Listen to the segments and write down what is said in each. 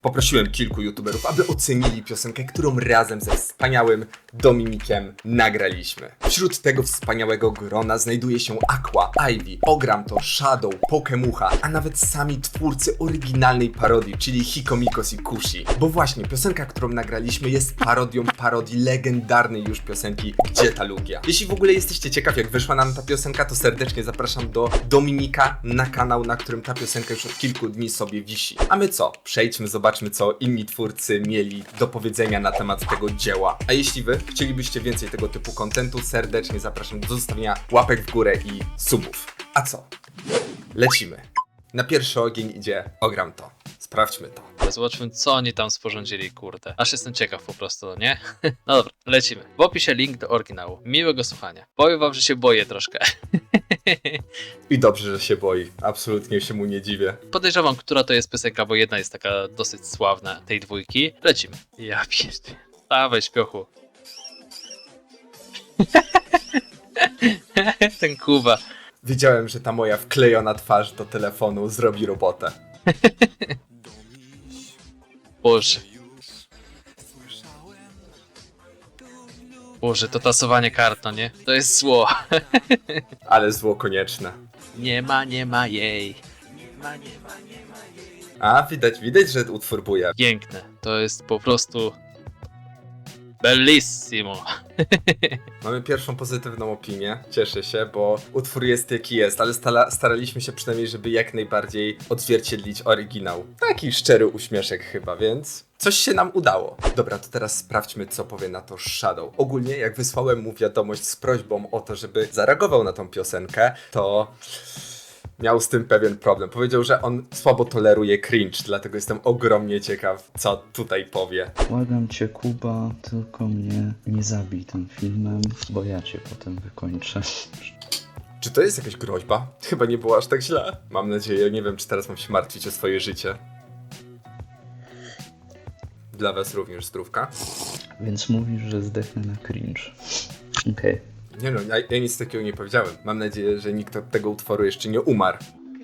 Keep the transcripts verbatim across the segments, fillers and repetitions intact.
Poprosiłem kilku youtuberów, aby ocenili piosenkę, którą razem ze wspaniałym Dominikiem nagraliśmy. Wśród tego wspaniałego grona znajduje się Aqua, Ivy, Ogramto, Shadow, Pokemucha, a nawet sami twórcy oryginalnej parodii, czyli Hikomikos i Kushi. Bo właśnie piosenka, którą nagraliśmy, jest parodią parodii legendarnej już piosenki Gdzie ta Lugia. Jeśli w ogóle jesteście ciekaw, jak wyszła nam ta piosenka, to serdecznie zapraszam do Dominika na kanał, na którym ta piosenka już od kilku dni sobie wisi. A my co? Przejdźmy, zobaczmy, co inni twórcy mieli do powiedzenia na temat tego dzieła. A jeśli wy chcielibyście więcej tego typu kontentu, serdecznie zapraszam do zostawienia łapek w górę i subów. A co? Lecimy. Na pierwszy ogień idzie Ogramto. Sprawdźmy to. Zobaczmy, co oni tam sporządzili, kurde. Aż jestem ciekaw po prostu, nie? No dobra, lecimy. W opisie link do oryginału. Miłego słuchania. Powiem wam, że się boję troszkę. I dobrze, że się boi. Absolutnie się mu nie dziwię. Podejrzewam, która to jest piosenka, bo jedna jest taka dosyć sławna, tej dwójki. Lecimy. Ja pierdolę. Dawaj, śpiochu. Ten Kuba. Wiedziałem, że ta moja wklejona twarz do telefonu zrobi robotę. Boże. Boże, to tasowanie kart, no nie? To jest zło. Ale zło konieczne. Nie ma, nie ma jej. Nie ma, nie ma, nie ma jej. A, widać, widać, że utwór buja. Piękne. To jest po prostu... Bellissimo. Mamy pierwszą pozytywną opinię, cieszę się, bo utwór jest jaki jest, ale stala, staraliśmy się przynajmniej, żeby jak najbardziej odzwierciedlić oryginał. Taki szczery uśmieszek chyba, więc coś się nam udało. Dobra, to teraz sprawdźmy, co powie na to Shadow. Ogólnie, jak wysłałem mu wiadomość z prośbą o to, żeby zareagował na tą piosenkę, to... miał z tym pewien problem. Powiedział, że on słabo toleruje cringe, dlatego jestem ogromnie ciekaw, co tutaj powie. Błagam cię, Kuba, tylko mnie nie zabij tym filmem, bo ja cię potem wykończę. Czy to jest jakaś groźba? Chyba nie było aż tak źle. Mam nadzieję, nie wiem, czy teraz mam się martwić o swoje życie. Dla was również zdrówka. Więc mówisz, że zdechnę na cringe. Okej. Okay. Nie no, ja, ja nic takiego nie powiedziałem. Mam nadzieję, że nikt od tego utworu jeszcze nie umarł.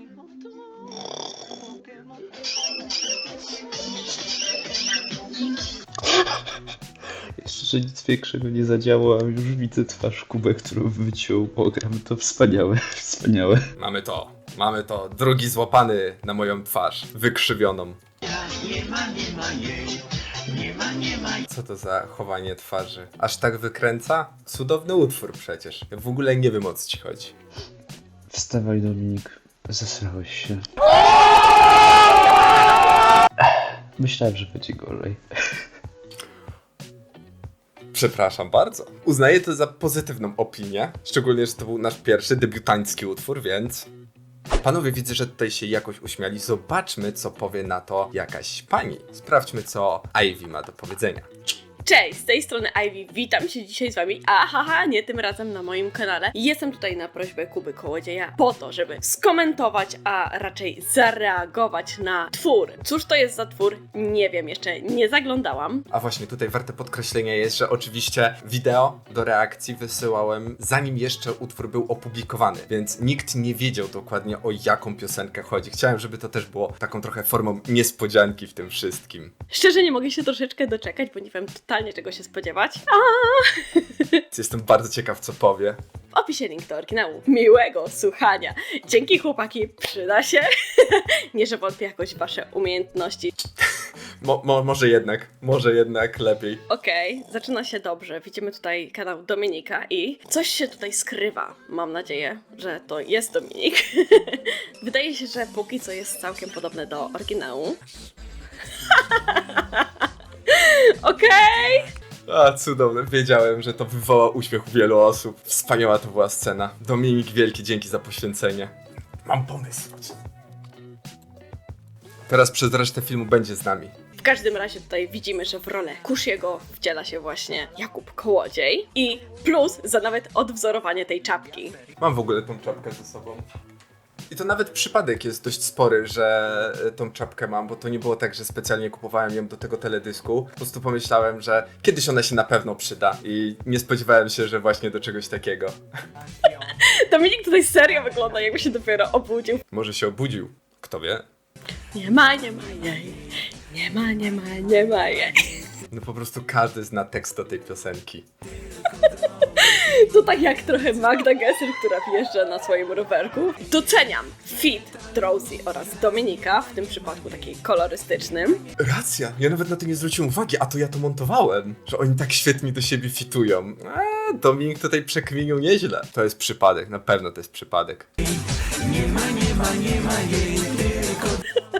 Jeszcze, że nic większego nie zadziało, a już widzę twarz Kubę, którą wyciął. Ogram to wspaniałe, wspaniałe. Mamy to, mamy to. Drugi złapany na moją twarz, wykrzywioną. Nie ma, nie ma jej, nie ma, nie ma. Co to za chowanie twarzy? Aż tak wykręca? Cudowny utwór przecież. Ja w ogóle nie wiem, o co ci chodzi. Wstawaj, Dominik. Zesrałeś się. Myślałem, że będzie gorzej. Przepraszam bardzo. Uznaję to za pozytywną opinię. Szczególnie, że to był nasz pierwszy debiutancki utwór, więc... Panowie, widzę, że tutaj się jakoś uśmiali. Zobaczmy, co powie na to jakaś pani. Sprawdźmy, co Ivy ma do powiedzenia. Cześć, z tej strony Ivy, witam się dzisiaj z wami, ahaha, nie tym razem na moim kanale. Jestem tutaj na prośbę Kuby Kołodzieja po to, żeby skomentować, a raczej zareagować na twór. Cóż to jest za twór? Nie wiem, jeszcze nie zaglądałam. A właśnie, tutaj warte podkreślenia jest, że oczywiście wideo do reakcji wysyłałem zanim jeszcze utwór był opublikowany, więc nikt nie wiedział dokładnie, o jaką piosenkę chodzi. Chciałem, żeby to też było taką trochę formą niespodzianki w tym wszystkim. Szczerze nie mogę się troszeczkę doczekać, bo nie wiem totalnie czego się spodziewać. A! Jestem bardzo ciekaw, co powie. W opisie link do oryginału. Miłego słuchania. Dzięki, chłopaki, przyda się. Nie, że wątpię jakoś w wasze umiejętności. Mo, mo, może jednak, może jednak lepiej. Okej, okay, zaczyna się dobrze. Widzimy tutaj kanał Dominika i coś się tutaj skrywa. Mam nadzieję, że to jest Dominik. Wydaje się, że póki co jest całkiem podobne do oryginału. Okej! Okay. A, cudowne. Wiedziałem, że to wywoła uśmiech u wielu osób. Wspaniała to była scena. Dominik, wielki dzięki za poświęcenie. Mam pomysł. Teraz przez resztę filmu będzie z nami. W każdym razie tutaj widzimy, że w rolę Kushiego wciela się właśnie Jakub Kołodziej i plus za nawet odwzorowanie tej czapki. Mam w ogóle tą czapkę ze sobą. I to nawet przypadek jest dość spory, że tą czapkę mam, bo to nie było tak, że specjalnie kupowałem ją do tego teledysku. Po prostu pomyślałem, że kiedyś ona się na pewno przyda i nie spodziewałem się, że właśnie do czegoś takiego. Dominik tutaj serio wygląda, jakby się dopiero obudził. Może się obudził, kto wie? Nie ma, nie ma jej, Nie ma, nie ma, nie ma jej. No po prostu każdy zna tekst do tej piosenki. To tak jak trochę Magda Gessler, która wjeżdża na swoim rowerku. Doceniam fit Drowsy oraz Dominika, w tym przypadku takiej kolorystycznym. Racja, ja nawet na to nie zwróciłem uwagi, a to ja to montowałem, że oni tak świetnie do siebie fitują. A, Dominik tutaj przekminił nieźle. To jest przypadek, na pewno to jest przypadek. Nie ma, nie ma, nie ma jej, tylko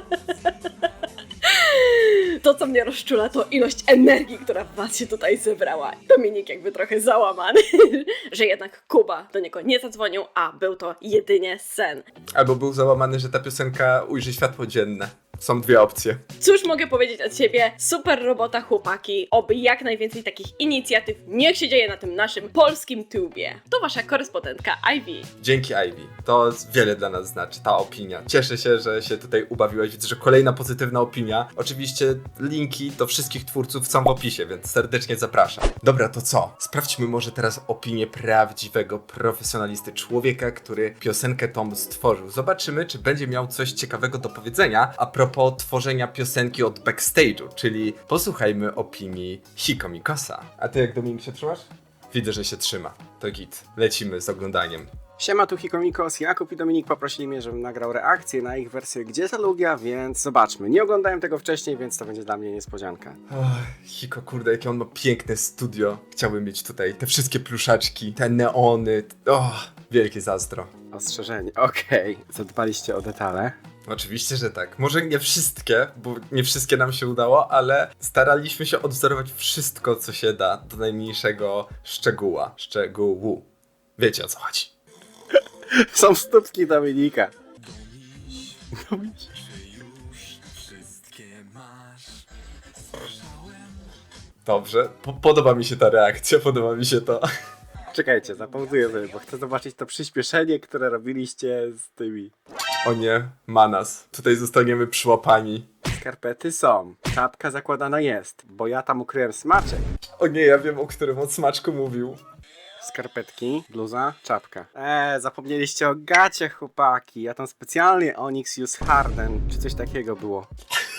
To, co mnie rozczula, to ilość energii, która w was się tutaj zebrała. Dominik jakby trochę załamany, że jednak Kuba do niego nie zadzwonił, a był to jedynie sen. Albo był załamany, że ta piosenka ujrzy światło dzienne. Są dwie opcje. Cóż mogę powiedzieć od siebie? Super robota, chłopaki. Oby jak najwięcej takich inicjatyw niech się dzieje na tym naszym polskim tubie. To wasza korespondentka Ivy. Dzięki Ivy. To wiele dla nas znaczy, ta opinia. Cieszę się, że się tutaj ubawiłeś. Widzę, że kolejna pozytywna opinia. Oczywiście linki do wszystkich twórców są w opisie, więc serdecznie zapraszam. Dobra, to co? Sprawdźmy może teraz opinię prawdziwego profesjonalisty, człowieka, który piosenkę tą stworzył. Zobaczymy, czy będzie miał coś ciekawego do powiedzenia a propos tworzenia piosenki od backstage'u, czyli posłuchajmy opinii Hiko Mikosa. A ty jak, Dominik, się trzymasz? Widzę, że się trzyma. To git. Lecimy z oglądaniem. Siema, tu Hikomikos, Jakub i Dominik poprosili mnie, żebym nagrał reakcję na ich wersję Gdzie ta Lugia, więc zobaczmy. Nie oglądałem tego wcześniej, więc to będzie dla mnie niespodzianka. Oh, Hiko, kurde, jakie on ma piękne studio. Chciałbym mieć tutaj te wszystkie pluszaczki, te neony. Oh, wielkie zazdro. Ostrzeżenie, okej. Zadbaliście o detale. Oczywiście, że tak. Może nie wszystkie, bo nie wszystkie nam się udało, ale staraliśmy się odwzorować wszystko, co się da, do najmniejszego szczegóła. Szczegółu. Wiecie, o co chodzi. Są stópki Dominika. Dobrze, po- podoba mi się ta reakcja, podoba mi się to. Czekajcie, zapauzuję sobie, bo chcę zobaczyć to przyspieszenie, które robiliście z tymi. O nie, Manas. Tutaj zostaniemy przyłapani. Skarpety są, czapka zakładana jest, bo ja tam ukryłem smaczek. O nie, ja wiem, o którym od smaczku mówił. Skarpetki, bluza, czapka. Eee, zapomnieliście o gacie, chłopaki. Ja tam specjalnie Onyx Use Harden, czy coś takiego było.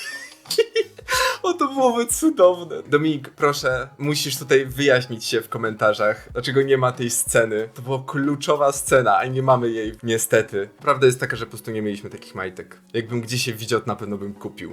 O, to byłoby cudowne. Dominik, proszę, musisz tutaj wyjaśnić się w komentarzach, dlaczego nie ma tej sceny. To była kluczowa scena, a nie mamy jej niestety. Prawda jest taka, że po prostu nie mieliśmy takich majtek. Jakbym gdzieś je widział, na pewno bym kupił.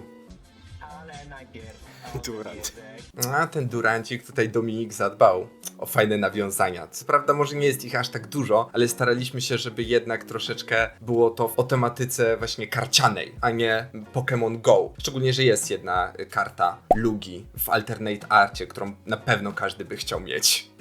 Durant. A ten Durancik tutaj Dominik zadbał o fajne nawiązania. Co prawda może nie jest ich aż tak dużo, ale staraliśmy się, żeby jednak troszeczkę było to o tematyce właśnie karcianej, a nie Pokémon Go. Szczególnie, że jest jedna karta Lugi w Alternate Arcie, którą na pewno każdy by chciał mieć.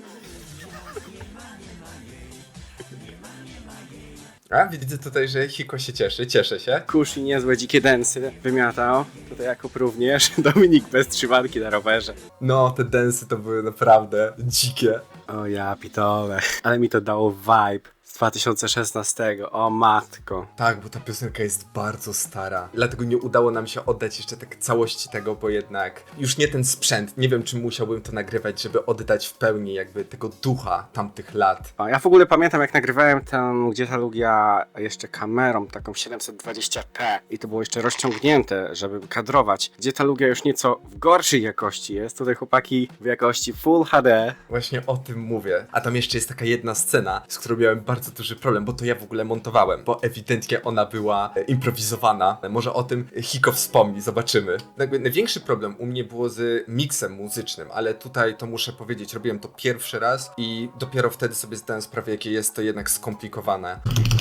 A widzę tutaj, że Hiko się cieszy, cieszę się. Kusz i niezłe dzikie densy wymiatał. Tutaj Jakub również. Dominik bez trzymanki na rowerze. No, te densy to były naprawdę dzikie. O ja pitole. Ale mi to dało vibe z dwa tysiące szesnastego. O matko. Tak, bo ta piosenka jest bardzo stara. Dlatego nie udało nam się oddać jeszcze tak całości tego, bo jednak już nie ten sprzęt. Nie wiem, czy musiałbym to nagrywać, żeby oddać w pełni jakby tego ducha tamtych lat. O, ja w ogóle pamiętam, jak nagrywałem tę Gdzie ta Lugia jeszcze kamerą, taką siedemset dwadzieścia p i to było jeszcze rozciągnięte, żeby kadrować. Gdzie ta Lugia już nieco w gorszej jakości jest. Tutaj chłopaki w jakości Full H D. Właśnie o tym mówię. A tam jeszcze jest taka jedna scena, z którą miałem bardzo duży problem, bo to ja w ogóle montowałem, bo ewidentnie ona była e, improwizowana. Może o tym Hiko wspomni, zobaczymy. Jakby największy problem u mnie było z miksem muzycznym, ale tutaj to muszę powiedzieć, robiłem to pierwszy raz i dopiero wtedy sobie zdałem sprawę, jakie jest to jednak skomplikowane.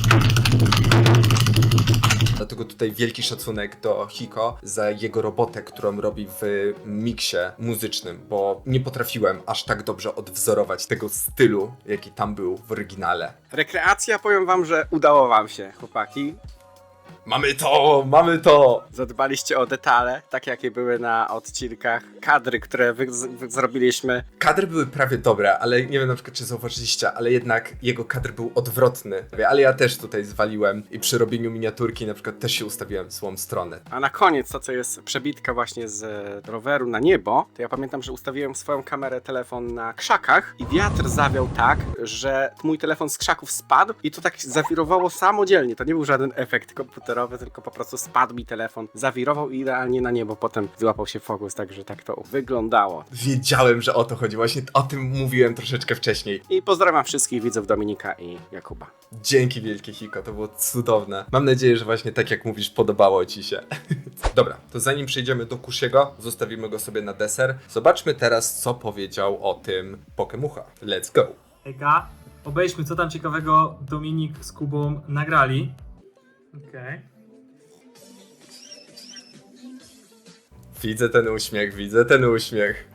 Dlatego tutaj wielki szacunek do Hiko za jego robotę, którą robi w miksie muzycznym, bo nie potrafiłem aż tak dobrze odwzorować tego stylu, jaki tam był w oryginale. Rekreacja, powiem wam, że udało wam się, chłopaki. Mamy to! Mamy to! Zadbaliście o detale, takie jakie były na odcinkach. Kadry, które wy, wy zrobiliśmy. Kadry były prawie dobre, ale nie wiem na przykład czy zauważyliście, ale jednak jego kadr był odwrotny. Ale ja też tutaj zwaliłem i przy robieniu miniaturki na przykład też się ustawiłem w złą stronę. A na koniec to, co jest przebitka właśnie z roweru na niebo, to ja pamiętam, że ustawiłem swoją kamerę, telefon na krzakach i wiatr zawiał tak, że mój telefon z krzaków spadł i to tak zawirowało samodzielnie. To nie był żaden efekt komputera. komputerowy, tylko po prostu spadł mi telefon, zawirował i idealnie na niebo potem złapał się fokus, także tak to wyglądało. Wiedziałem, że o to chodzi. Właśnie o tym mówiłem troszeczkę wcześniej. I pozdrawiam wszystkich widzów Dominika i Jakuba. Dzięki wielkie, Hiko, to było cudowne. Mam nadzieję, że właśnie tak jak mówisz, podobało ci się. Dobra, to zanim przejdziemy do Kushiego, zostawimy go sobie na deser. Zobaczmy teraz, co powiedział o tym Pokemucha. Let's go! Hejka, obejrzmy co tam ciekawego Dominik z Kubą nagrali. Okej. Widzę ten uśmiech, widzę ten uśmiech.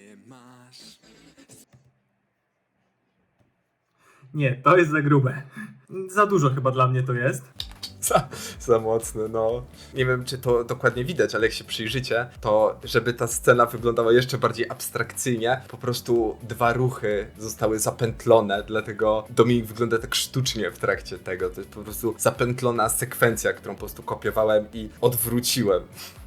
Nie, to jest za grube. Za dużo chyba dla mnie to jest. Za, za mocne, no. Nie wiem, czy to dokładnie widać, ale jak się przyjrzycie, to żeby ta scena wyglądała jeszcze bardziej abstrakcyjnie, po prostu dwa ruchy zostały zapętlone, dlatego Dominik wygląda tak sztucznie w trakcie tego. To jest po prostu zapętlona sekwencja, którą po prostu kopiowałem i odwróciłem.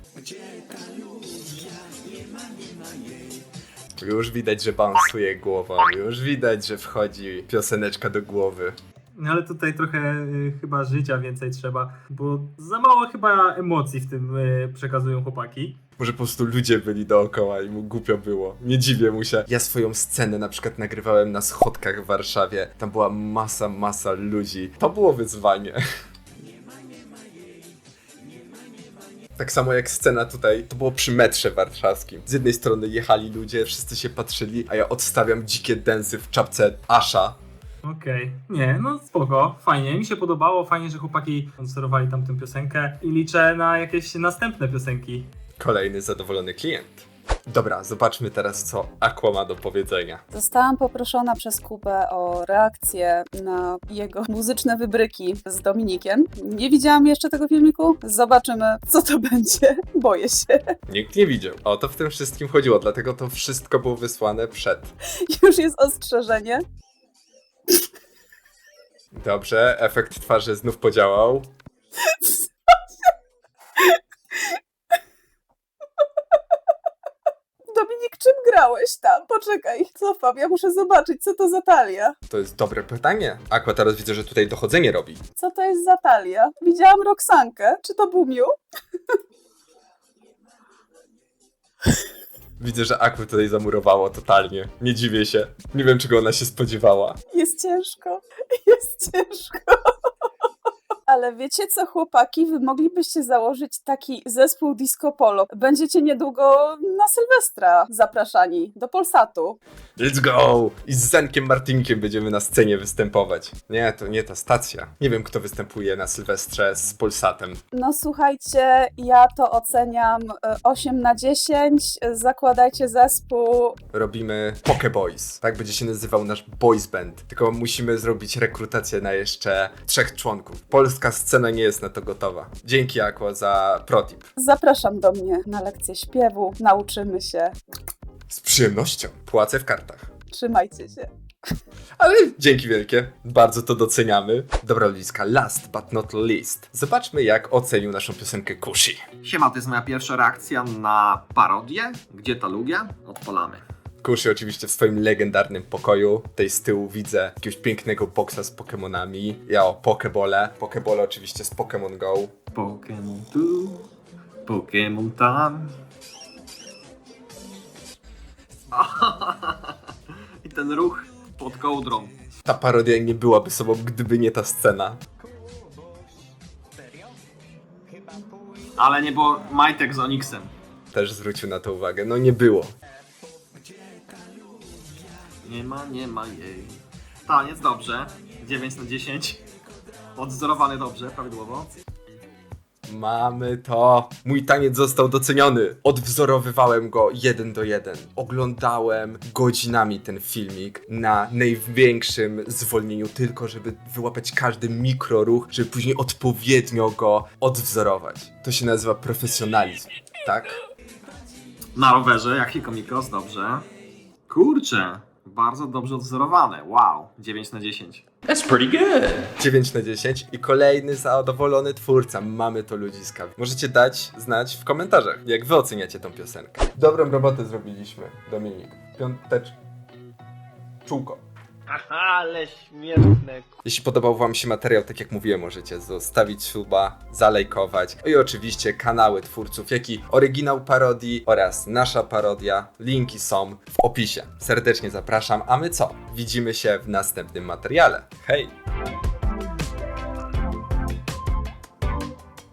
Już widać, że bounsuje głową, już widać, że wchodzi pioseneczka do głowy. No ale tutaj trochę y, chyba życia więcej trzeba, bo za mało chyba emocji w tym y, przekazują chłopaki. Może po prostu ludzie byli dookoła i mu głupio było. Nie dziwię mu się. Ja swoją scenę na przykład nagrywałem na schodkach w Warszawie. Tam była masa, masa ludzi. To było wyzwanie. Tak samo jak scena tutaj, to było przy metrze warszawskim. Z jednej strony jechali ludzie, wszyscy się patrzyli, a ja odstawiam dzikie densy w czapce Asha. Okej, nie, no spoko, fajnie, mi się podobało, fajnie, że chłopaki sponsorowali tam tę piosenkę i liczę na jakieś następne piosenki. Kolejny zadowolony klient. Dobra, zobaczmy teraz, co Aqua ma do powiedzenia. Zostałam poproszona przez Kubę o reakcję na jego muzyczne wybryki z Dominikiem. Nie widziałam jeszcze tego filmiku. Zobaczymy, co to będzie. Boję się. Nikt nie widział. O to w tym wszystkim chodziło, dlatego to wszystko było wysłane przed. Już jest ostrzeżenie. Dobrze, efekt twarzy znów podziałał. Dominik, czym grałeś tam? Poczekaj, cofam, ja muszę zobaczyć, co to za talia. To jest dobre pytanie. Aqua teraz widzę, że tutaj dochodzenie robi. Co to jest za talia? Widziałam Roxankę. Czy to był Miu? Widzę, że Aqua tutaj zamurowało totalnie. Nie dziwię się. Nie wiem, czego ona się spodziewała. Jest ciężko. Jest ciężko. Ale wiecie co, chłopaki? Wy moglibyście założyć taki zespół Disco Polo. Będziecie niedługo na Sylwestra zapraszani do Polsatu. Let's go! I z Zenkiem Martinkiem będziemy na scenie występować. Nie, to nie ta stacja. Nie wiem, kto występuje na Sylwestrze z Polsatem. No słuchajcie, ja to oceniam e, osiem na dziesięć. Zakładajcie zespół. Robimy Poke Boys. Tak będzie się nazywał nasz boys band. Tylko musimy zrobić rekrutację na jeszcze trzech członków. Polska scena nie jest na to gotowa. Dzięki, Aqua, za protip. Zapraszam do mnie na lekcję śpiewu. Nauczymy się. Z przyjemnością. Płacę w kartach. Trzymajcie się. Ale dzięki wielkie, bardzo to doceniamy. Dobra ludziska, last but not least. Zobaczmy, jak ocenił naszą piosenkę Kushi. Siema, to jest moja pierwsza reakcja na parodię. Gdzie ta Lugia? Odpalamy. Kushi oczywiście w swoim legendarnym pokoju. Tutaj z tyłu widzę jakiegoś pięknego boksa z Pokemonami. Ja o Pokebole. Pokebole oczywiście z Pokémon Go. Pokémon tu, Pokémon tam. I ten ruch pod kołdrą. Ta parodia nie byłaby sobą, gdyby nie ta scena. Ale nie było majtek z Onyxem. Też zwrócił na to uwagę. No nie było. Nie ma, nie ma jej. Taniec dobrze. dziewięć na dziesięć. Odzorowany dobrze, prawidłowo. Mamy to. Mój taniec został doceniony. Odwzorowywałem go jeden do jeden. Oglądałem godzinami ten filmik na największym zwolnieniu, tylko żeby wyłapać każdy mikroruch, żeby później odpowiednio go odwzorować. To się nazywa profesjonalizm, tak? Na rowerze, jak Hiko Mikros, dobrze. Kurczę, bardzo dobrze odzorowane. Wow, dziewięć na dziesięć. dziewięć na dziesięć i kolejny zadowolony twórca. Mamy to ludziska. Możecie dać znać w komentarzach, jak wy oceniacie tą piosenkę. Dobrą robotę zrobiliśmy, Dominik. Piątecz... Czółko. Ale śmieszne. Jeśli podobał wam się materiał, tak jak mówiłem, możecie zostawić suba, zalajkować. No i oczywiście kanały twórców, jak i oryginał parodii oraz nasza parodia. Linki są w opisie. Serdecznie zapraszam, a my co? Widzimy się w następnym materiale. Hej!